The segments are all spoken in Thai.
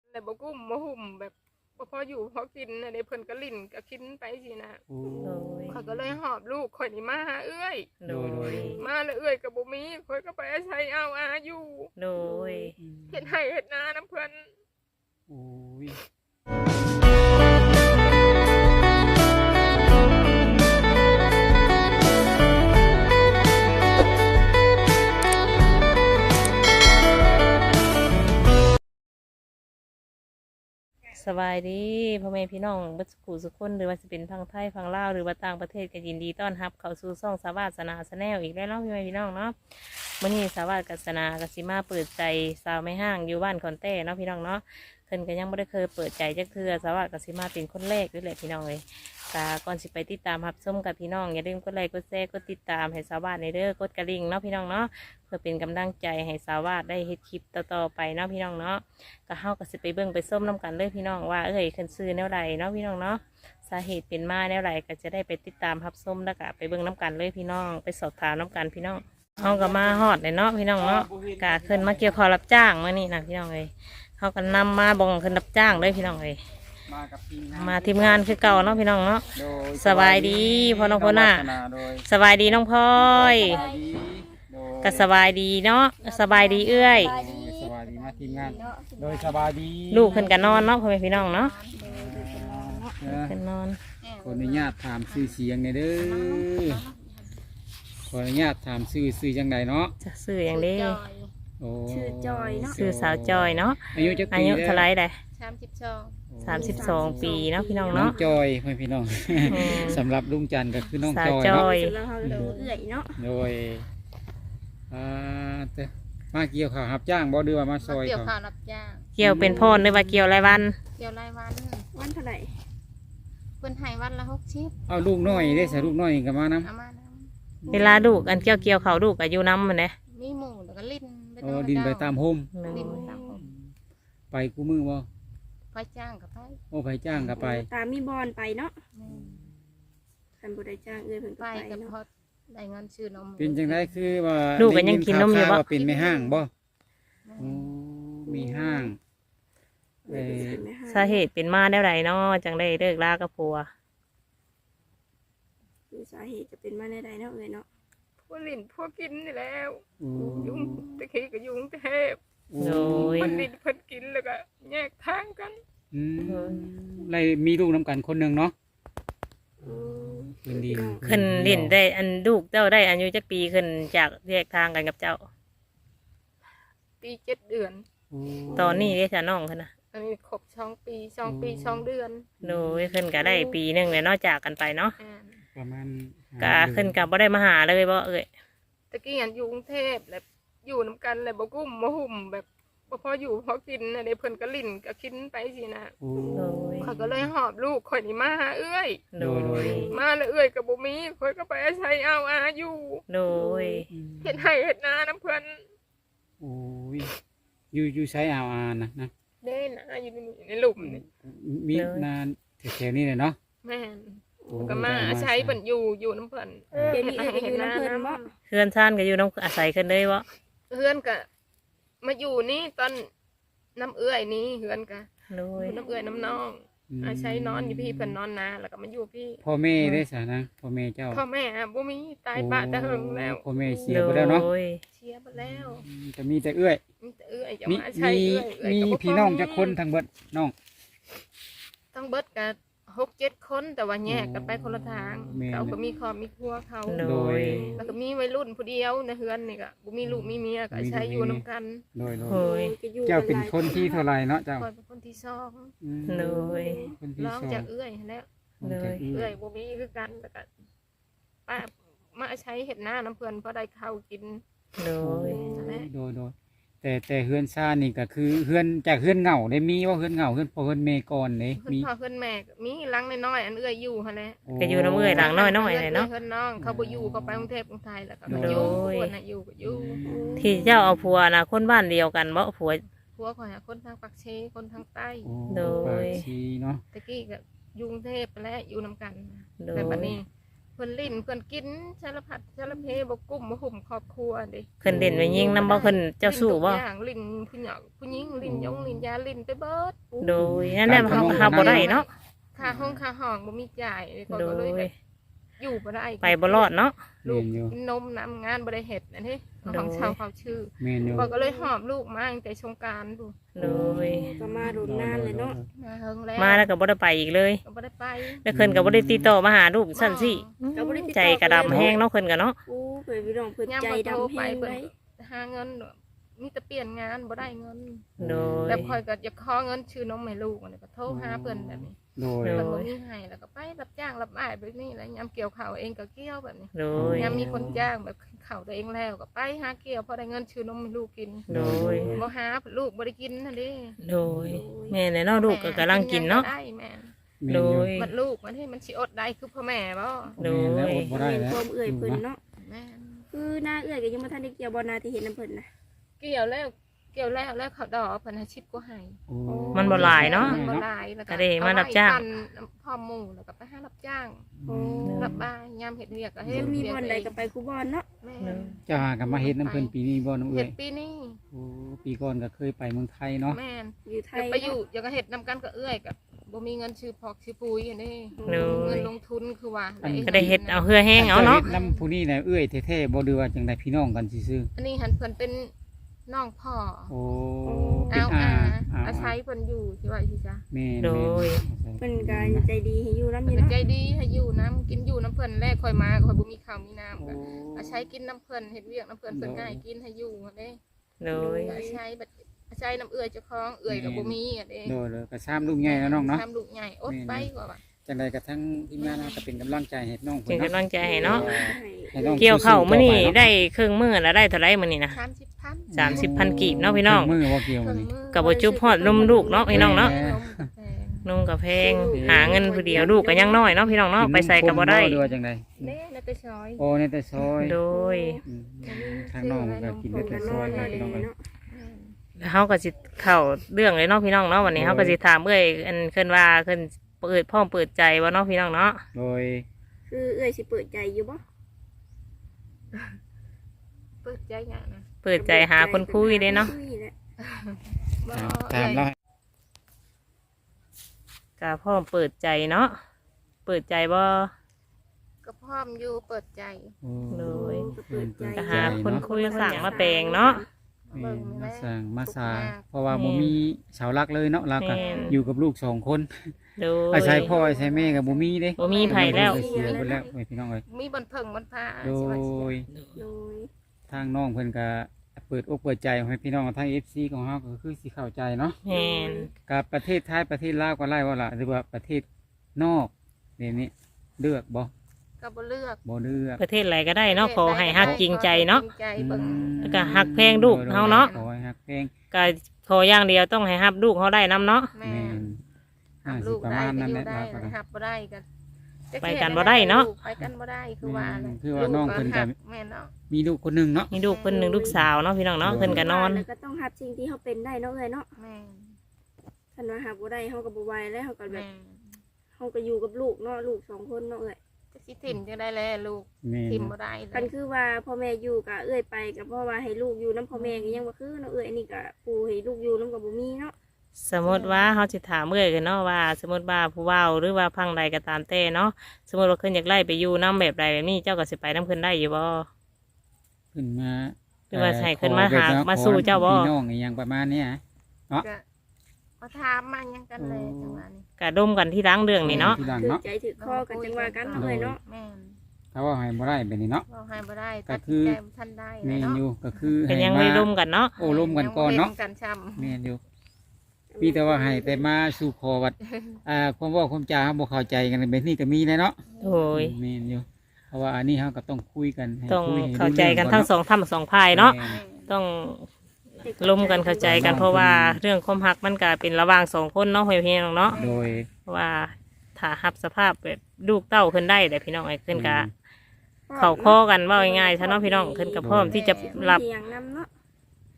แต่บ่กุ้มบ่หุ่มแบบบ่พออยู่พอกินในเพิ่นก็ลิ้นก็กินไปสินะโอ้โดยข่อยก็เลยหอบลูกข่อยนี่มาหาเอื้อยโดยมาแล้วเอื้อยก็บ่มีข่อยก็ไปอาศัยเอาอาอยู่โดยเฮ็ดให้เฮ็ดนานํเพิ่นโอ้ยสบายดีพ่อแม่พี่น้องเบัสกูสุกคนหรือว่าจะเป็นพังไทยพังลาวหรือว่าต่างประเทศก็ยินดีต้อนรับเข้าสู่ช่องสาวาสนาชาแนลอีกแล้วเนาะพ่อแม่พี่น้องเนาะมื้อนี้สาวาสนากสิมาเปิดใจสาวไม่ห้างอยู่บ้านคอนแต้เนาะพี่น้องเนาะเพิ่นก็ยังไม่ได้เคยเปิดใจจักเทื่อสาวาสสิมาเป็นคนแรกด้วยแหละพี่น้องเลยก่อนสิไปติดตามรับชมกับพี่น้องอย่าลืมกดไลค์กดแชร์กดติดตามให้สาวาสในเด้อกดกระดิ่งเนาะพี่น้องเนาะเพื่อเป็นกำลังใจให้สาวาสได้เฮ็ดคลิปต่อๆไปเนาะพี่น้องเนาะ ก็เฮาก็สิไปเบิ่งไปส้มน้ำกันเลยพี่น้องว่าขึ้นซื้อแนวใดเนาะพี่น้องเนาะสาเหตุเป็นมาแนวใดก็จะได้ไปติดตามรับส้มแล้วก็ไปเบิ่งน้ำกันเลยพี่น้องไปสอบถามน้ำกันพี่น้องเฮาก็มาฮอดเลยเนาะพี่น้องเนาะก็ขึ้นมาเกี่ยวข้าวรับจ้างมื้อนี้นะพี่น้องเอ้ยเฮาก็นำมาบ่งขึ้นรับจ้างเลยพี่น้องเอ้ยมากับทีมงานมาทีมงานคือเก่าเนาะพี่น้องเนาะโดยสบายดีพ่อน้องพ่อหน้าโดยสบายดีน้องพลอยสบายดีโดยก็สบายดีเนาะสบายดีเอื้อยสบายดีมาทีมงานโดยสบายดีลูกขึ้นกันนอนเนาะพ่อแม่พี่น้องเนาะเออขึ้นนอนขออนุญาตถามชื่อเสียงหน่อยเด้อขออนุญาตถามชื่อจังใดเนาะจะซื้ออย่างนี้โอ้ชื่อจอยเนาะซื้อสาวจอยเนาะอายุจักอาปียุเท่าไรได้ 32 32 ปีเนาะพี่น้องน้องเนาะจอยเพื่อนพี่น้องอืมสำหรับลุงจันทร์ก็คือน้องสาวจอยจอเนาะยแล้วเฮาก็เอื้อยเนาะโดยเตมาเกี่ยวข้าวรับจ้างบ่ดือว่ามาซอยเกี่ยวเขาข้าวรับจ้างเกี่ยวเป็นพ่อหรือว่าเกี่ยวรายวันเกี่ยวรายวันวันเท่าไหร่เพิ่นให้วันละ60 เอาลูกน้อยได้ใส่ลูกน้อยก็มานํเอามานะเวลาลูกอันเกี่ยวเขาลูกอายุน้ำมันเนี่ยมีหมูแล้วก็ลิ้นไปอ๋อดินไปตามโฮมลิ้นไปตามผมไปกูมือบ่ไปจ้างกับไปโอ้ไปจ้างก็ไปตามมีบอลไปเนาะแม่นคันบ่ได้จ้างเอื้อยเพิ่นไปก็ไปกับเนาะพอได้เงินซื้อนมเป็นจังไดคือว่าลูกก็ยังกินนมอยู่ได้บ่ข่าวๆว่าเป็นไม่ห้างบ่แม่นโอ้มีห้างเอ่อไม่ให้สาเหตุเป็นมาแนวใดเนาะจังได้เลิกลากับผัวคือสาเหตุจะเป็นมาในใดเนาะเอื้อยเนาะพวกลิ้นพวกกินนี่แล้วโอ้ยุ่งตะกี้ก็ยุ่งเทพโดยเพิ่นลิ้นเพิ่นกินแล้วก็แยกทางกันอืมเลยมีลูกนํกันคนหนึงเนาะอืมเป็นดีขึ้นเล่นได้อันลูกเจ้าได้อายุจักปีขึ้นจากแยกทางกันกับเจ้าปี7 เดือนโอ้ตอนนี้เรียกน้องขึ้นนะอันนี้ครบ2 ปี2 ปี 2 เดือนโดยขึ้นก็ได้ปีหนึงเลยเนอกจากกันไปเนาะอ่าประมาณก็ขึ้นกับบ่ได้มาหาเลยบ่เอ้ยตะกี้อันอยู่กรุงเทพแล้วอยู่นํกันแล้วบ่กุ้มบ่หุ่มแบบบ่พออยู่พอกินในเพิ่นก็ลิ้นก็กินไปสินะโอ้โดยข่อยก็เลยหอบลูกข่อยนี่มาหาเอื้อยโดยมาแล้วเอื้อยก็บ่มีข่อยก็ไปอาศัยเอาอาอยู่โดยเฮ็ดให้เฮ็ดนานํเพิ่นโอ้ยอยู่ใช้เอาอานะเด้นะอยู่นี่ในหลุมนี่มีนานแถวๆนี้เลยเนาะแม่นโอ้ก็มาอาศัยเพิ่นอยู่นํเพิ่นเดี๋ยวนี้เอื้อยก็อยู่น้ำเพิ่นบ่เพื่อนซ่านก็อยู่น้องอาศัยขึ้นเลยบ่เฮือนก็มาอยู่นี่ตอนน้ำเอื้อยนี่เฮือนก็โดยน้ำเอื้อยน้ำน้องอาศัยนอนอยู่พี่เพิ่นนอนนาแล้วก็มาอยู่พี่พ่อแม่ได้สานะพ่อแม่เจ้าพ่อแม่บ่มีตายปะแต่เฮิงแล้วพ่อแม่เสียไปแล้วเนาะโดยเชียร์ไปแล้วจะมีแต่เอื้อยมีแต่เอื้อยจะมีมาอาศัยมีเอื้อยเอื้อยมีก็บ่พพี่น้องจักคนทางเบิดน้องต้องเบิดกัน6-7 คนแต่ว่าแยกกันไปคนละทางแม่นเขาก็มีครอบมีครัวเขาโดยแล้วก็มีวัยรุ่นผู้เดียวในเฮือนนี่ก็บ่มีลูกมีเมียก็อาศัยอยู่นํกันโดยโดยก็อยู่เจ้าเป็นคนที่เท่าไหรเนาะเจ้าคอยเป็นคนที่สองอืมโดยคนที่ร้องสองจากเอื้อยหั้นแหล้วโดยเอื้อยบ่มีคือกันแล้วก็ป้ามาอาศัยเฮ็ดนาน้ำเพิ่นพอได้ข้าวกินโดยโดยแต่เฮือนซ่านนี่ก็คือเฮือนจากเฮือนเหงาได้มีว่าเฮือนเหงาเฮือนพ่อเฮือนเมก่อนเด้เพิ่นมีพ่อเพิ่นแม่ก็มีหลังน้อยๆอันเอื้อยอยู่หั่นแหละก็อยู่น้ำเอื้อยหลังน้อยๆเลยเนาะเพิ่นน้องเขาบ่อยู่เขาไปกรุงเทพกรุงไทยแล้วก็โดยอยู่คนน่ะอยู่ก็อยู่ที่เจ้าเอาผัวนะคนบ้านเดียวกันบ่ผัวผัวข่อยหาคนทางปากเชคนทางใต้โอ้โดยปากชีเนาะตะกี้ก็อยู่กรุงเทพไปแล้วอยู่นํกันโดยแต่บัดนี้พิ่นลิ้นเพิ่นกินสารพัดสารเพบ่กุ้มบ่หุ่มครอบครัวเด้เพิ่นเด่นไปยิงนํบ่เพิ่นเจ้าสู้บ่ลิ้นทุกอย่างลิ้นผู้หญิงผู้หญิงลิ้นยงลิ้นยาลิ้นไปเบิดโดยนั่นแหละเฮาบ่ได้เนาะค่าห้องค่าห้องบ่มีจ่ายเลยก็โดเลยยแบบอยู่บ่ได้ไปบ่รอดเนาะลูกแม่นอยู่กินนมน้ำงานบ่ได้เฮ็ดอันนี้โดยของชาวเขาชื่อแม่นอยู่ก็เลยหอบลูกมาตั้งแต่สงกรานต์ดูโดยก็มาโดนนานเลยเนาะมาเฮิงแล้วมาแล้วก็บ่ได้ไปอีกเลยก็บ่ได้ไปแล้วเพิ่นก็บ่ได้ติดต่อมาหาลูกซั่นสิก็บ่ได้ติดต่อใจกระดำแห้งเนาะเพิ่นก็เนาะโอ้เพิ่นพี่น้องเพิ่นยามใจเพิ่นโทรดำไปแห้งเพิ่เลนยหาเงินมีแต่เปลี่ยนงานบ่ได้เงินโดยแบบคอยก็อยากขอเงินชื่อนมให้ลูกอันนี้ก็โทรหาเพิ่นแบบนี้โดยโดเพิ่นบ่มีให้แล้วก็ไปรับจ้างรับอ้ายแบบนี้แล้วยามเกี่ยวข้าวเองก็เกี่ยวแบบนี้โดยยามมีคนจ้างแบบข้าวตัวเองแล้วก็ไปหาเกี่ยวพอได้เงินชื่อนมให้ลูกกินโดยบ่หาลูกบ่ได้กินนั่นเด้โดยแม่เนี่ยเนาะลูกก็กำลังกินเนาะได้แม่นแม่นโดอยู่ยมันลูกมันให้มันสิอดได้คือพ่อแม่บ่โดยแม่นแล้วอดบ่ได้เป็นแล้วความเอื้อยเพิ่นเนาะแม่นคือหน้าเอื้อยก็ยังบ่ทันได้เกี่ยวบ่นาที่เห็นน้ำเพิ่นน่ะเกี่ยวแล้วแล้วเขาดอกเพิ่นให้ชิปก็ให้โอ้มันบ่หลายเนาะมันบ่หลายแล้วก็ได้มารับจ้างเอไว้ปั่นพ่อหมู่แล้วก็ไปหารับจ้างโอ้รับบ้านยามเฮ็ดเวียกก็เฮ็คืดอมีเวียบ่อนใดก็ไปคูบ่อนเนาะแม่เจ้าหากันมาเฮ็ดน้ำเพิ่นปีนี้บ่น้ำเอ้เฮ็ยดปีนี้โอ้ปีก่อนก็เคยไปเมืองไทยเนาะแม่นอยู่ไทอย ยากไปอยู่อยากก็เฮ็ดนำกันกับเอื้อยกับบ่มีเงินซื้อพอกซื้อปุ๋ยอันนี้โดเงิยนลงทุนคือว่าก็ได้เฮ็ดเอาเหือแห้งเอาเนาะจ้ฮ็ดน้ำผู้นี้น่ะเอ้ยแท้ๆบ่ดือว่าจังไดพี่น้องกันซื่ออันนี้หันเพิ่นเป็นน้องพ่อๆโอ้เป็นเอาอาอาศัยเพิ่นอยู่ที่ว่าสิจ้ะแม่นโดยเพิ่นก็ใจดีให้อยู่นำอเพิ่ยู่นก็เนาะใจดีให้อยู่น้ำกินอยู่น้ำเพิ่นแรกค่อยมาค่อยบ่มีข้าวมีน้ำโอ้ก็อาศัยกินน้ำเพิ่นเฮ็ดเวียกน้ำเพิ่นเพิ่นง่ายกินให้อยู่อันนี้โดยอาศัยแบบอาศัยน้ำเอื้อยเจ้าของเอื้อยก็บ่มีอันนี้โดยเลยก็ซ้ำลูกใหญ่แล้วน้องเนาะทำลูกใหญ่อดไปกว่าจังไดก็ทั้งทีมงานเราก็เป็นกำลังใจให้น้องเป็นเพิ่นกำลังใจให้เนาะให้น้องเกี่ยวเข้าวมื้อนี้สู้ๆต่อปเาะได้ครึ่งมื้อแล้วได้เท่าไหร่มื้อนี้นะ 30,000 30,000กีบเนาะพี่น้องมือว่าเกี่ยวเครื่มื้ออง นี้มือก็บ่จุบฮอดนมลูกเนาะพี่น้องเนาะแม่นุ่งกับแพงหาเงินผู้เดียวลูกก็ยังน้อยเนาะพี่น้องเนาะไปใส่ก็บ่ได้กินนมข้นดูว่าจังไดเน่ในแต่ซอยโอ้ในแต่ซอยโดยอืมทางน้องก็กินในแต่ซอยเลยน้องเอ้ยเฮาก็สิเข้าเรื่องเลยเนาะพี่น้องเนาะวันนี้เฮาก็สิถามเอ้ยอันเพิ่นว่าเพิ่นเปิดพร้อมเปิดใจบ่เนาะพี่น้องเนาะโดยคือเอื้อยสิเปิดใจอยู่บ่เปิดใจอย่างนะเปิดใจหาคนคุยเด้เนาะคุยแหละบ่ถามเราก็พร้อมเปิดใจเนาะเปิดใจบ่ก็พร้อมอยู่เปิดใจโอ้โดยก็เปิดใจก็หาคนคุยสั่งมาแปลงเนาะแม่นมาสร้างมาสร้างเพราะว่าบ่มีเสาหลักเลยเนาะเราก็แม่นอยู่กับลูกสองคนโดยอาศัยพ่ออาศัยแม่ก็บ่มีเด้บ่มีไผแล้วเสียไปแล้วเอ้ยพี่น้องเอ้ยมีบันเทิงบันพาโดสิว่าสิยโดยทางน้องเพิ่นก็เปิดอกเปิดใจให้พี่น้องทาง FC ของเฮาก็คือสิเข้าใจเนาะแม่นกับประเทศไทยประเทศลาวก็ไล่ว่าล่ะหรือว่าประเทศนอกเดี๋ยวนี้เลือกบ่ก็บ่เลือกบ่เลือกประเทศอะไรก็ได้เนาะขอให้ฮักจริงใจเนาะจริงใจเบิ่งแล้วก็ฮักแพงลูกเฮาเนาะขอให้ฮักแพงก็ขออย่างเดียวต้องให้ฮับลูกเฮาได้นํเนาะแม่แม่นหับสิลูกประได้มาณก็นั้นอแหละยู่ได้เราก็หับบ่ได้ก็ไปกันบ่ได้เนาะไปกันบ่ได้คือว่าแหละคือว่าน้องเพิ่นก็แม่นเนาะมีลูกคนหนึงเนาะมีลูกเพิ่นหนึ่งลูกสาวเนาะพี่น้องเนาะเพิ่นก็นอนแล้วก็ต้องรับสิ่งที่เขาเป็นได้เนาะเอ้ยเนาะแม่นคันว่าหาบ่ได้เฮาก็บ่ไหวแล้วเฮาก็แบแม่บนเฮาก็อยู่กับลูกเนาะลูกสองคนเนาะเอ้ยจะสิถิ่มจังได้แล้วลูกแม่นถิ่มบ่ได้เลคันยคือว่าพ่อแม่อยู่ก็เอ้ยไปก็เพราะว่าให้ลูกอยู่นํพ่อแม่ก็ยังบ่คือเนาะเอ้ยอันนี้ก็ปู่ให้ลูกอยู่นํก็บ่มีเนาะสมมติว่าเขาจะถามเมื่อยกันเนาะว่า สมมติว่าผู้เว้าหรือว่าพังใดก็ตามแต่เนาะสมมติว่าเพิ่นอยากไล่ไปอยู่น้ำแบบใดแบบนี้เจ้าก็สิไปน้ำเพิ่นได้อยู่บ่ขึ้นมาหรือว่าให้ขึ้นมาหามาสู้เจ้าบ่พี่น้องอีหยังประมาณเนี้ยก็มาถามมาหยังกันเลยจังหวะนี้กะดมกันที่ล้างเรื่องนี่เนาะที่หลังถือเนาะใจถือคอกันจังว่ากันเนาะเอ้ยเนาะแม่นเขาว่าให้บ่ได้แบบนี้เนาะเราให้บ่ได้ก็ตัดคืสินอใจบ่ทันได้แม่นเนาะอยู่ก็คือเป็นให้ยังมาไม่ร่มกันเนาะโอ้ร่มกันก่อนเนาะยังบ่ห็กันช้ำแม่นอยู่มีแต่ว่าให้แต่มาสู่ขอวัดความเว่าความจาเฮาบ่เข้าใจกันแบบนี้ก็มีแหละเนาะโอ้ยแม่นอยู่เพราะว่าอันนี้เฮาก็ต้องคุยกันให้ต้องคุยให้เข้าใจกันทั้งสองท่านสองพายเนาะต้องร่มกันเข้าใจกันเพราะว่าเรื่องความหักมันก็เป็นระหว่างสองคนเนาะพี่น้องเนาะโดยเพราะว่าถ้ารับสภาพแบบลูกเต้าขึ้นได้แต่พี่น้องไอ้ขึ้นกะเข้าข้อกันว่าง่ายๆซะเนาะพี่น้องขึ้นกับพร้อมที่จะรับเถียงนํเนาะ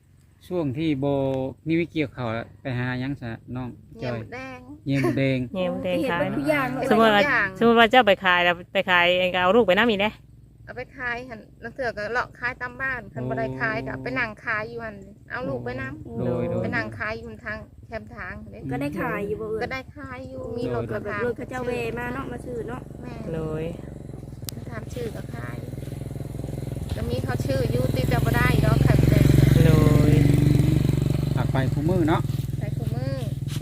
ช่วงที่โบนี่วิเกี่ยวเขาวแล้วไปหาหยังซะน้องจเยี่ยอมยแดงเยี่ยมแดงเงี้ยมันแดงเห็นขายเป็นทุกอย่างเนาะสมมติว่าอย่างสมมติว่าเจ้าไปขายแล้วไปขายเองก็เอาลูกไปน้ำอีกเด้เอาไปขายหันนักเถื่อก็เลาะขายตามบ้านคันบ่ได้ขายก็ไปนั่งขายอยู่หันเอาลูกไปน้โดยโดำยไปนั่งขายอยู่ทางแคมทางเด้ก็ได้ขายอยู่บ่เอ่ก็ยได้ขายอยู่มีรถแบกระบทางรถเขาเจ้าเวมาเนาะมาซื้อเนาะแม่โดยถามชื่อก็ขายก็มีเขาชื่ออยู่ติดแต่บ่ได้ดอกค่ะแต่โดยอักไปคู่มือเนาะใส่คู่มือน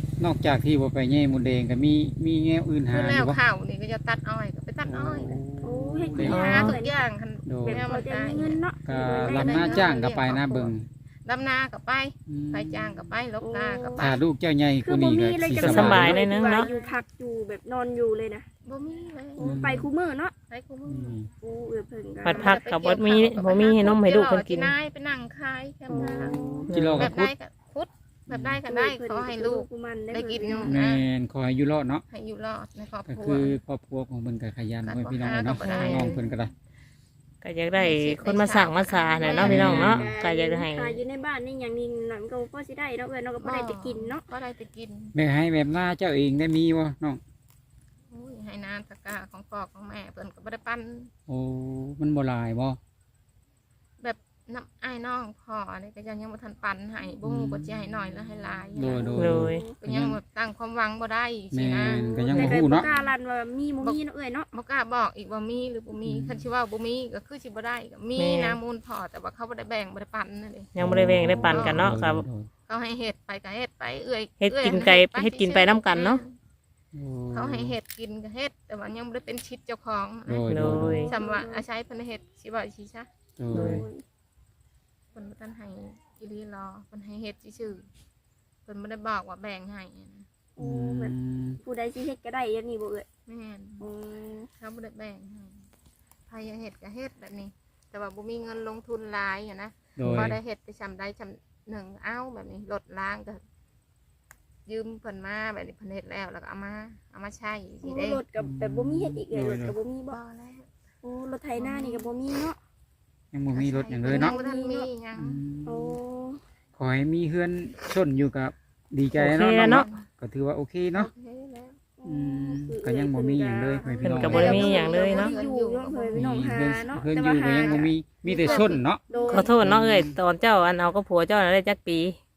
อกจากที่บ่ไปเยี่ยมแดงก็มีแง่อื่นหาคืออแล้ยู่วบ่ข้าวนี่ก็จะตัดอ้อยก็ไปตัดอ้อยโอ้เฮ็ดโดกิยนหาหาทุเพิ่นกอย่างคันโดยแนวพอมันจะได้มีเงินเนาะก็ลำหน้าจ้างก็ไปนะเบิ่งดำนาก็ไปไปจ้างก็ไปลบนาก็ไปถ้าลูกเจ้าใหญ่กคือว่าบ่นี้มีก็เลยสิจังสบายเลยนึงเนาะอยู่พักอยู่แบบนอนอยู่เลยนะบ่มีเลยโอ้ไปคู่มือเนาะไปคู่มือือมโอ้เอื้อเพิ่นก็ผัดผักกับบ่มีให้นมให้ลูกเพิ่นกินที่นายไปนั่งขายแคมทางกิโลแบกับบ คุได้ดก็คุดแบบได้ก็ได้ขอให้ลูกมันได้กินเนาะแม่นขอให้อยู่รอดเนาะให้อยู่รอดในครอบก็ครัวคือครอบครัวของเพิ่นก็ขยันไว้พี่น้องเนาะก็บ่ได้น้องเพิ่นก็ได้ก็อยากได้คนมาสั่งมาสาน่ะเนาะพี่น้องเนาะก็อยากจะให้ขายอยู่ในบ้านนี่อย่างนี้นั่นก็พอสิได้เนาะเอื้อเนาะก็บ่ได้จะกินเนาะก็ได้จะกินแม่ให้แบบหน้าเจ้าเองได้มีบ่น้องอุ้ยให้นานตะกร้าของพ่อของแม่เพิ่นก็บ่ได้ปั้นโอ้มันบ่หลายบ่แบบน้ำอ้ายน้องพ่อนี่ก็ยังบ่ทันปั้นให้บ่ฮู้ว่าสิให้น้อยแล้วให้หลายโดยโดยโดยก็ยังแบบตั้งความหวังบ่ได้สิแม่นะนก็ยังแต่บ่ก็ฮู้บ่เนาะกล้าลั่นว่ามีบ่มีเนาะเอื้อเนาะบ่กล้าบอกอีกว่ามีหรือบ่มีคันสิว่าบ่มีก็คือสิบ่ได้ก็มีนะมูลพ่อแต่ว่าเขาบ่ได้แบ่งบ่ได้ปั้นนั่นเด้ยังบ่ได้แบ่งได้ปันกันเนาะครับเขาให้เฮ็ดไปก็เฮ็ดไปเอื้อยเฮ็ดกินไก่เฮ็ดกินไปนำกันเนาะเขาให้เฮ็ดกินก็เฮ็ดแต่ว่ายังบ่ได้เป็นชิดเจ้าของโดยโดโดยยสำว่าอาศัยเพิ่นเฮ็ดสิว่าสิซะโดยเพิ่นบ่ทันให้อีหลีรอเพิ่นให้เฮ็ดซื่อๆเพิ่นบ่ได้บอกว่าแบ่งให้นะโอ้แบบผู้ใดสิเฮ็ดก็ได้อย่างนี้บ่เอื้อแม่นโอ้เขาบ่ได้แบ่งให้ใครอยากเฮ็ดก็เฮ็ดแบบนี้ แต่ว่าบ่มีเงินลงทุนหลายอะนะโดยพอได้เฮ็ดไปชำได้ชำหนึ่งเอาแบบนี้ลดล้างก็ยืมเพิ่นมาแบบนี้เพิ่นเฮ็ดแล้วแล้วก็เอามาใช้สิเด้รถกับแบบบ่มีเฮ็ดอีกเลยรถกับบ่มีบ่บ่แล้วโอ้รถไถนานี่ก็บ่มีเนาะยังบ่มีรถหยังเลยเนาะงบ่ทันมีหยังอืมโอ้ขอให้มีเฮือนชนอยู่กับดีใจโอเคเนาะน้องเนาะเนาะก็ถือว่าโอเคเนาะโอเคแล้วอืมก็ยังบ่มีหยังเลยให้พี่เพิ่นน้องก็บ่ได้มีหยังเลยเนาะอยู่เนาะเพิ่นพี่น้องหาเนาะเฮือนอยู่ก็ยังบ่มีแต่ชนเนาะโดยขอโทษเนาะเอ้ยตอนเจ้าอันเอากับผัวเจ้าน่ะได้จักปี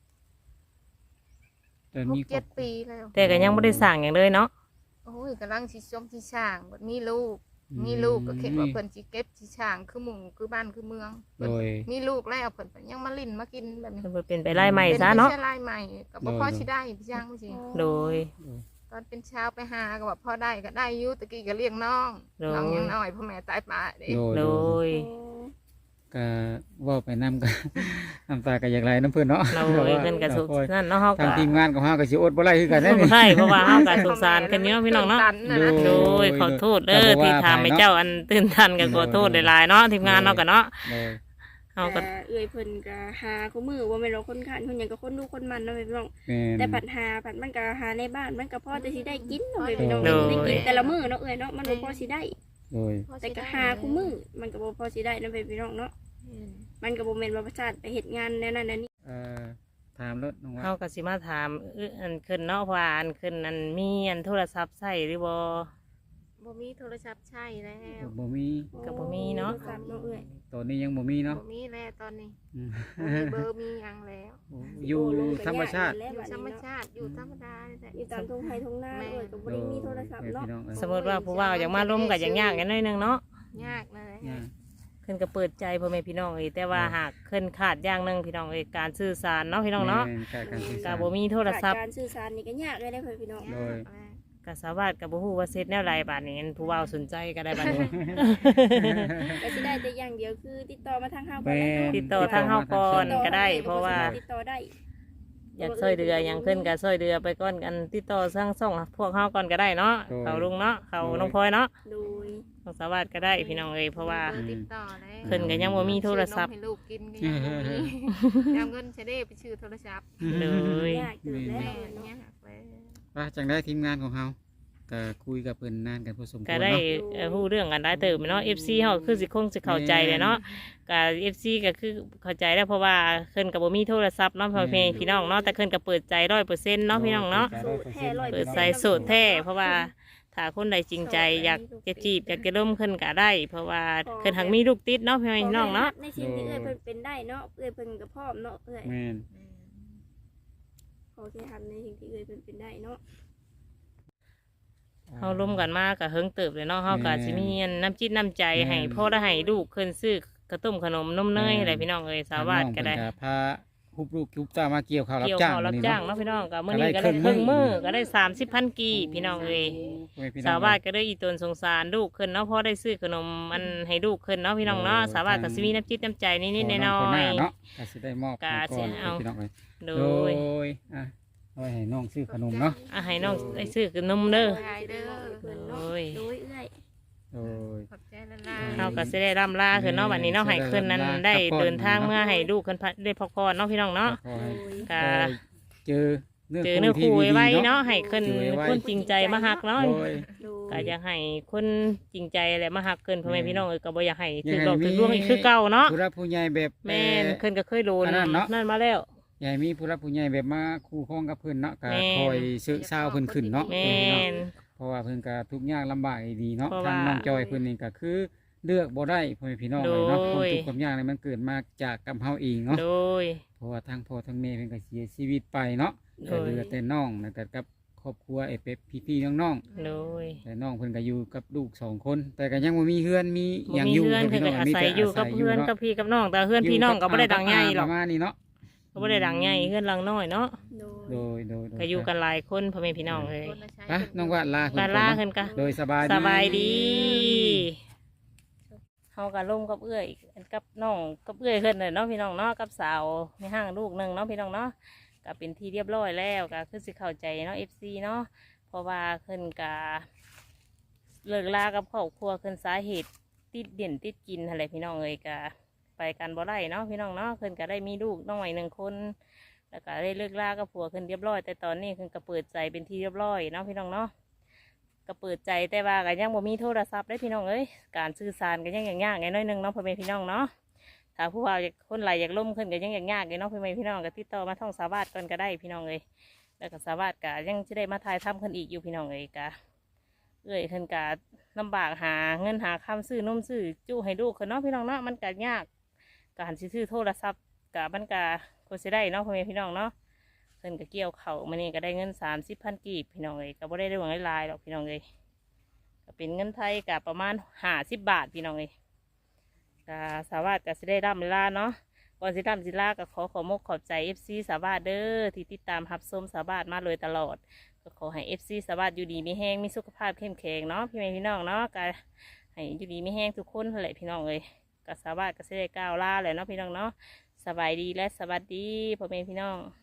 แต่มีครอบ 6-7 ปีแล้วแต่ก็ยังบ่ได้สั่งหยังเลยเนาะโอ้ยกำลังสิชมสิสร้างบัดมีลูก มีลูกก็คิดว่าเพิ่นสิเก็บสิสร้างคือหมู่คือบ้านคือเมืองโดยมีลูกแล้วเพิ่นก็ยังมาลิ้นมากินแบบนี้เพิ่นเป็นไปไล่ใหม่ซะเนาะป็ไม่ใช่ลายใหม่ก็บ่พอสิได้พี่จังสิโดยตอนเป็นเช้าไปหาก็ว่าพอได้ก็ได้อยู่ตะกี้ก็เลี้ยงน้องโดยน้องยังน้อยพ่อแม่ตายป่าเด้โดยโดยก็เว่าไปนำกัน น้ำตาก็อยากไหลน้ำเพิ่นเนาะเราเอ้ยเพิ่นก็สุขนั่นเนาะเฮาทางก็ทีมงานของเฮาก็สิอดบ่ไหลคือกันบ่แน่นี่ใช่เพราะว่าเฮาก็สงสารกันอยู่เนาะพี่น้องเนาะ โดยขอโทษเด้อที่ทำให้เจ้าอันตื่นทันก็ขอโทษหลายๆเนาะทีมงานเนาะก็เนาะโดยเฮาก็เอ้ยเพิ่นก็หาคู่มือว่าแม่นเราคนขันคนหยังก็คนดูคนมันเนาะพี่น้องแม่นแต่ผัดมันก็หาในบ้านมันก็พอจะสิได้กินเนาะพี่น้องได้กินแต่ละมื้อเนาะเอ้ยเนาะมันบ่พอสิได้โดยแต่ก็หาคู่มือมันก็บ่พอสิได้เนาะพี่น้องเนาะมันก็บ่แม่นว่าประชาชนไปเฮ็ดงานแนวนั้นแนวนี้ถามรถน้องว่าเฮาก็สิมาถามอันขึ้นเนาะว่าอันขึ้นอันมีอันโทรศัพท์ใช้หรือบ่บ่มีโทรศัพท์ใช้แล้วบ่มีก็บ่มีเนาะโทรศัพท์เนาะเอ้ยตอนนี้ยังบ่มีเนาะบ่มีแล้วตอนนี้อืมบ่มีเบอร์มีหยังแล้วอยู่ธรรมชาติอยู่ธรรมชาติอยู่ธรรมดานี่แหละอยู่ตามทุ่งไร่ทุ่งนาเอ้ยก็บ่ได้มีโทรศัพท์เนาะสมมุติว่าผู้ว่าอยากมาร่วมก็อย่างยากกันหน่อยหนึงเนาะยากนั่นแหละเนี่ยเพิ่นก็เปิดใจพ่อแม่พี่น้องเอ้ยแต่ว่าหากเพิ่นขาดอย่างหนึงพี่น้องเอ้ยการสื่อสารเนาะพี่น้องเนาะแม่การสื่อก็สารบ่มีโทรศัพท์การสื่อสารนี่ก็ยากเลยเด้อพี่น้องโดยก็สาวาสก็บ่ฮู้ว่าเสร็จแนวใดบาดนี้อันผู้ว่าสนใจก็ได้บาดนี้ก็สิได้แต่อย่างเดียวคือติดต่อมาทางเฮาก่อนแม่แหละเนาะติดต่อทางเฮาก่อนก็ได้ เพราะว่าติดต่อได้อยากช่วยเดืออย่างขึ้นก็ช่วยเดือไปก่อนกันติดต่อสร้างส่งพวกเฮาก่อนก็ได้เนาะเขาลุงเนาะเขาน้องพลอยเนาะโดยของสาวาสก็ได้พี่น้องเอ้ยเพราะว่าเบอร์ติดต่อแล้วเพิ่นก็ยังบ่มีโทรศัพท์ซื้อนมให้ลูกกินก็ยังบ่มีเอาเงินใช้ได้ไปชื่อโทรศัพท์เลยยากเกินแล้วแม่เนาะยากแล้วว่าจังได้ทีมงานของเฮาก็คุยกับเพิ่นนานกันพอสมควรก็ได้เนาะฮู้เรื่องกันได้เติบเนาะ FC เฮาคือสิคงสิเข้าใจเลยเนาะก็ FC ก็คือเข้าใจแล้วเพราะว่าเพิ่นก็บ่มีโทรศัพท์เนาะพ่อแม่พี่น้องเนาะแต่เพิ่นก็เปิดใจ 100% เนาะพี่น้องเนาะโสดแท้100% เปิดใจโสดแท้เพราะว่าถ้าคนใดจริงใจอยากจะจีบอยากจะร่วมขึ้นก็ได้ เพราะว่าเพิ่นหักมีลูกติดเนาะพี่น้องเนาะในสิ่งที่เอ้ยเพิ่นเป็นได้เนาะเอ้ยเพิ่นก็พร้อมเนาะเอ้ยแม่นขอแค่ทำในสิ่งที่เอ้ยเพิ่นเป็นได้เนาะเฮาร่วมกันมาก็เฮิงเติบเลยเนาะเฮาก็สิมีน้ำจิตน้ำใจให้พ่อได้ให้ลูกขึ้นซื้อกระต้มขนมนมเนยอะไรพี่น้องเอ้ยสาวาดก็ได้น้องเพิ่นพาฮุบลูกฮุบเต้ามาเกี่ยวข้าวรับเกี่ยวจ้างข้าวรับนี่จ้างเนาะเนาะพี่น้องก็มื้อนี้ก็ได้ครึ่งมื้อก็ได้30,000กีบพี่น้องเอ้ยโอ้ยพี่น้องสาวาดก็ได้อีตนสงสารลูกขึ้นเนาะพ่อได้ซื้อขนมมันให้ลูกขึ้นเนาะพี่น้องเนาะสาวาดก็สิมีน้ำจิตน้ำใจนิดๆหน่อคนหยน้าเนาะก็สิได้มอบก็ให้ก่อนสิเอาพี่น้องเอ้ยๆโดโดยยอ่ะเอาไว้ให้น้องซื้อขนมเนาะให้น้องได้ซื้อขนมเด้อหายเด้อเพิ่นโดเนาะยโดยเอ้ยโดยขอบใจละลาเฮาก็สิได้ร่ำลาขึ้นเนาะวันนี้เนาะให้ขึ้นนั้นได้เดินทางเมื่อให้ลูกขึ้นได้พักผ่อนเนาะพี่น้องเนาะขอให้ก็เจอเจอเนื้อคู่ที่ไว้ดีๆเนาะให้ขึ้นเจอไว้คนจริงใจมาหักเนาะโดยโดยก็อยากให้คนจริงใจแหละมาหักขึ้นพ่อแม่พี่น้องก็บ่อยากให้อยากให้ถือหลอกมีถือลวงอีกคือเก่าเนาะผู้รับผู้ใหญ่แบบแม่นขึ้นก็เคยโดนอันนั้นเนาะนั่นมาแล้วใหญ่มีผู้รับผู้ใหญ่แบบมาคู่ครองกับเพิ่นเนาะก็แม่นคอยซื้อเศร้าเพิ่นขึ้นเนาะแม่นเพราะว่าเพิ่นก็ทุกข์ยากลำบากดีเนาะเพราะทางว่าน้องจอยเพิ่นนี่ก็คือเลือกบ่ได้พ่อแม่พี่น้องเลยเนาะโดความยทุกข์ความยากนี่มันเกิดมาจากกรรมเฮาเองเนาะโดยเพราะว่าทางพ่อทางแม่เพิ่นก็เสียชีวิตไปเนาะโดก็ยเหลือแต่น้องแล้วก็กับครอบครัวไอ้เป็ดพี่ๆน้องโดยๆแต่น้องเพิ่นก็อยู่กับลูกสองคน แต่ก็ยังบ่มีเฮือนมีหบ่ยังมีอยู่เพื่อนพ่เพิ่นพี่ก็น้องอามีศัยแต่อยู่กับเพื่อนาศัยกับพี่กับน้องแต่เพื่อนพี่น้องก็บ่ได้ดังใหญ่หรอกประมาณนี้เนาะก็บ่ได้ดังใหญ่เพื่อนหลังน้อยเนาะโดยโดยก็อยู่กันหลายคนพ่อแม่พี่น้องเลยคนละใช้อ่ะน้องว่าลาบาลาขึ้นกะโดยสบายสบายดีเฮาก็ร่มกับเอื้อยกับน้องกับเอื้อยขึ้นเลยเนาะพี่น้องเนาะกับสาวในห้างลูกหนึงเนาะพี่น้องเนาะก็เป็นที่เรียบร้อยแล้วก็คือสิเข้าใจเนาะ FC เนาะเพราะว่าขึ้นกะเลิกลากับครอบครัวขึ้นสาเหตุติดเด่นติดกินอะไรพี่น้องเอ้ยก็ไปกันบ่ได้เนาะพี่น้องเนาะขึ้นก็ได้มีลูกน้อยหนึ่งคน แล้วก็ได้เลิกลากับผัวขึ้นเรียบร้อยแต่ตอนนี้ขึ้นก็เปิดใจเป็นที่เรียบร้อยเนาะพี่น้องเนาะก็เปิดใจแต่ว่าก็ยังบ่มีโทรศัพท์ได้พี่น้องเอ้ยการสื่อสารก็ยังยากๆไงน้อยหนึงเนาะพ่อแม่พี่น้องเนาะถ้าผู้ว่าอยากคนไหลอยากล่มขึ้นก็ยังยากๆไงเนาะพ่อแม่พี่น้องก็ติดต่อมาท่องสาวาสก่อนก็ได้พี่น้องเอ้ยแล้วก็สาวาสก็ยังจะได้มาถ่ายทำขึ้นอีกอยู่พี่น้องเอ้ยก็เอ้ยขึ้นก็ลำบากหาเงินหาคำซื้อนมซื้อจุให้ลูกขึ้นเนาะพี่น้องเนาะมันก็ยากการสิซื้อโทรศัพท์ก็มันก็ควรสิได้เนาะพ่อแม่พี่น้องเนาะ เพิ่นก็เกี่ยวเขามานี่ก็ได้เงิน30,000กีบพี่น้องเอ้ยก็บ่ได้หวังหลายๆหรอกพี่น้องเอ้ยก็เป็นเงินไทยก็ประมาณ50 บาทพี่น้องเอ้ยก็สาวาสก็สิได้ร่ำลาเนาะก่อนสิร่ำสิลาก็ขอมกขอบใจ FC สาวาสเด้อที่ติดตามรับชมสาวาสมาเลยตลอดก็ขอให้ FC สาวาสอยู่ดีมีแห้งมีสุขภาพเข้มแข็งเนาะพี่แม่พี่น้องเนาะก็ให้อยู่ดีมีแห้งทุกคนนั่นแหละพี่น้องเอ้ยก็สาวาสก็สิได้กล่าวลาแหละเนาะพี่น้องเนาะสบายดีและสวัสดีพ่อแม่พี่น้อง